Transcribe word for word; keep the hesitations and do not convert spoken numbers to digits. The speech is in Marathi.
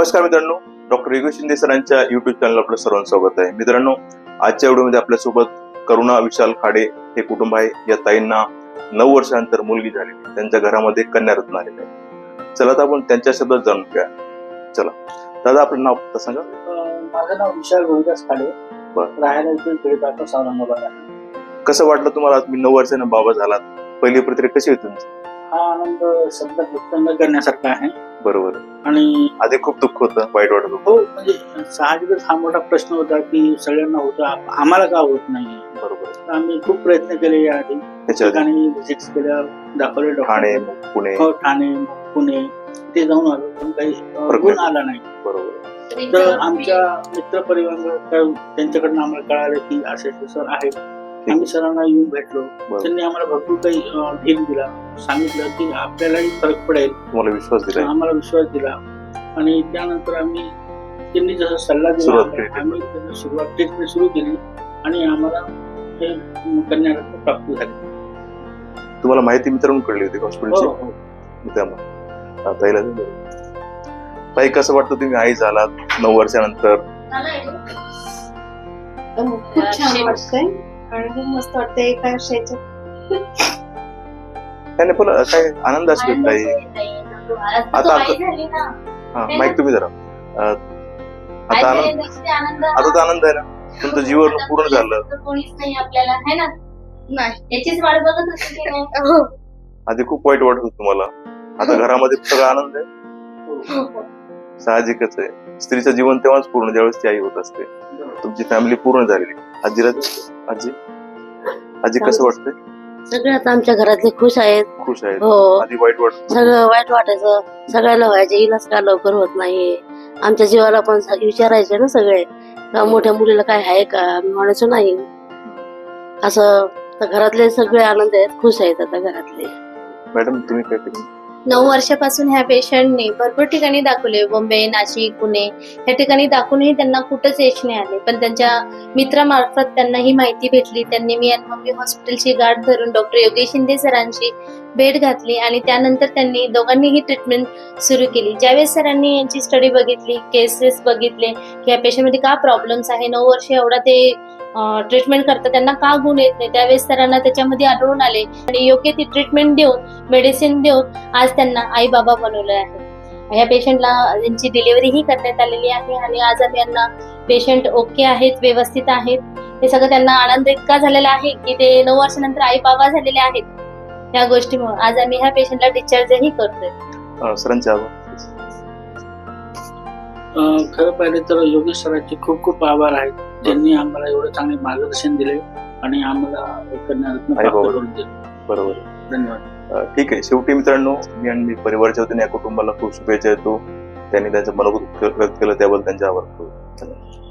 नमस्कार मित्रांनो, डॉक्टर योगेश शिंदे सरांच्या युट्यूब चॅनल आपलं सर्वांचं स्वागत आहे. मित्रांनो, आजच्या व्हिडिओमध्ये आपल्यासोबत करुणा विशाल खाडे हे कुटुंब आहे. या ताईंना नऊ वर्षानंतर मुलगी झालेली, त्यांच्या घरामध्ये कन्यारत्न आलेलं आहे. चला तर आपण त्यांच्या शब्दात जाणून घ्या. चला दादा, आपलं नाव तर सांगा. माझं नाव विशाल गोविंदास खाडे, राहायला इथे खेडेपासून औरंगाबाद आहे. कसं वाटलं तुम्हाला? तुम्ही नऊ वर्षानं बाबा झालात, पहिली प्रतिक्रिया कशी होती तुमची? हा आनंद शब्द व्यक्त न करण्यासारखा आहे. बरोबर. आणि आधी खूप दुःख होतं, वाईट वाटत होतं. हो, म्हणजे साहजिकच हा मोठा प्रश्न होता की सगळ्यांना होता, आम्हाला का होत नाही. बरोबर. आम्ही खूप प्रयत्न केले याआधी, त्याच्या ठिकाणी व्हिजिट्स केल्या, दाखवले ठाणे, डॉक्टर, पुणे. हो ठाणे, पुणे ते जाऊन आलो, पण काही गुण आला नाही. बरोबर. तर आमच्या मित्र परिवार त्यांच्याकडनं आम्हाला कळालं की असे सर आहेत. आम्ही सरांना येऊन भेटलो, त्यांनी आम्हाला भरपूर काही धीर दिला, सांगितलं की आपल्यालाही फरक पडेल, तुम्हाला विश्वास दिला, आम्हाला विश्वास दिला. आणि त्यानंतर आम्ही त्यांनी जसा सल्ला दिला आम्ही त्याची सुरुवात ट्रीटमेंट सुरू केली आणि आम्हाला हे कन्यारत्न प्राप्त झाले. तुम्हाला माहिती मित्रांनो कळली होती हॉस्पिटलची? हो, त्यामुळे ताईला ताई, कसं वाटतं तुम्ही आई झालात नऊ वर्षानंतर? खूप छान वाटतंय आणि खूप मस्त वाटतंय एका वर्षाच्या. त्याने पण काय आनंद असतो ताई. आता हा माईक तुम्ही जरा. आता आनंद, आता तर आनंद आहे ना, तुमचं जीवन पूर्ण झालं. कोणीच नाही आपल्याला, है ना? नाही, याचीच वाट बघत होती की नाही. आधी खूप वाईट वाटत होतं तुम्हाला, आता घरामध्ये सगळा आनंद आहे. साहजिकच आहे, स्त्रीचं जीवन तेव्हाच पूर्ण ज्यावेळेस ती आई होत असते. तुमची फॅमिली पूर्ण झालेली. आजीला आजी आजी कसं वाटतंय? सगळे आता आमच्या घरातले खुश आहेत. खुश आहेत. हो, आधी वाईट वाटत, सगळं वाईट वाटायचं, सगळ्याला व्हायचं, इलाज का लवकर होत नाही. आमच्या जीवाला पण विचारायचे ना सगळे, का मोठ्या मुलीला काय आहे का? आम्ही म्हणायचो नाही. असं तर घरातले सगळे आनंद आहेत, खुश आहेत आता घरातले. मॅडम तुम्ही काय केलं? नऊ वर्षापासून ह्या पेशंटने भरपूर ठिकाणी दाखवले, बॉम्बे, नाशिक, पुणे या ठिकाणी दाखवूनही त्यांना कुठंच यश नाही आले. पण त्यांच्या मित्रामार्फत त्यांना ही माहिती भेटली. त्यांनी मी आणि मम्मी हॉस्पिटलची गाठ धरून डॉक्टर योगेश शिंदे सरांची भेट घातली आणि त्यानंतर त्यांनी दोघांनीही ट्रीटमेंट सुरू केली. ज्यावेळेस सरांनी यांची स्टडी बघितली, केसेस बघितले की या पेशंटमध्ये का प्रॉब्लेम्स आहे, नऊ वर्ष एवढा ते ट्रीटमेंट करतात, त्यांना का गुण येत नाही, त्यावेळेस सरांना त्याच्यामध्ये आढळून आले आणि योग्य ती ट्रीटमेंट देऊन, मेडिसिन देऊन आज त्यांना आई बाबा बनवलं आहे. ह्या पेशंटला त्यांची डिलिव्हरीही करण्यात आलेली आहे आणि आज आम्ही यांना पेशंट ओके आहेत, व्यवस्थित आहेत, हे सगळं त्यांना आनंद इतका झालेला आहे की ते नऊ वर्षानंतर आई बाबा झालेले आहेत. या गोष्टीमुळे आज आम्ही ह्या पेशंटला डिस्चार्जही करतोय. सरांचे आभार. खरं पाहिलं तर योगेश सरांचे खूप खूप आभार आहेत. त्यांनी आम्हाला एवढं चांगले मार्गदर्शन दिले आणि आम्हाला कन्यारत्न प्राप्त करून दिले. बरोबर. धन्यवाद. ठीक आहे. शेवटी मित्रांनो, मी आणि मी परिवारच्या वतीने या कुटुंबाला खूप शुभेच्छा देतो. त्यांनी त्यांचं मनोगत व्यक्त केलं त्याबद्दल त्यांचे आभार.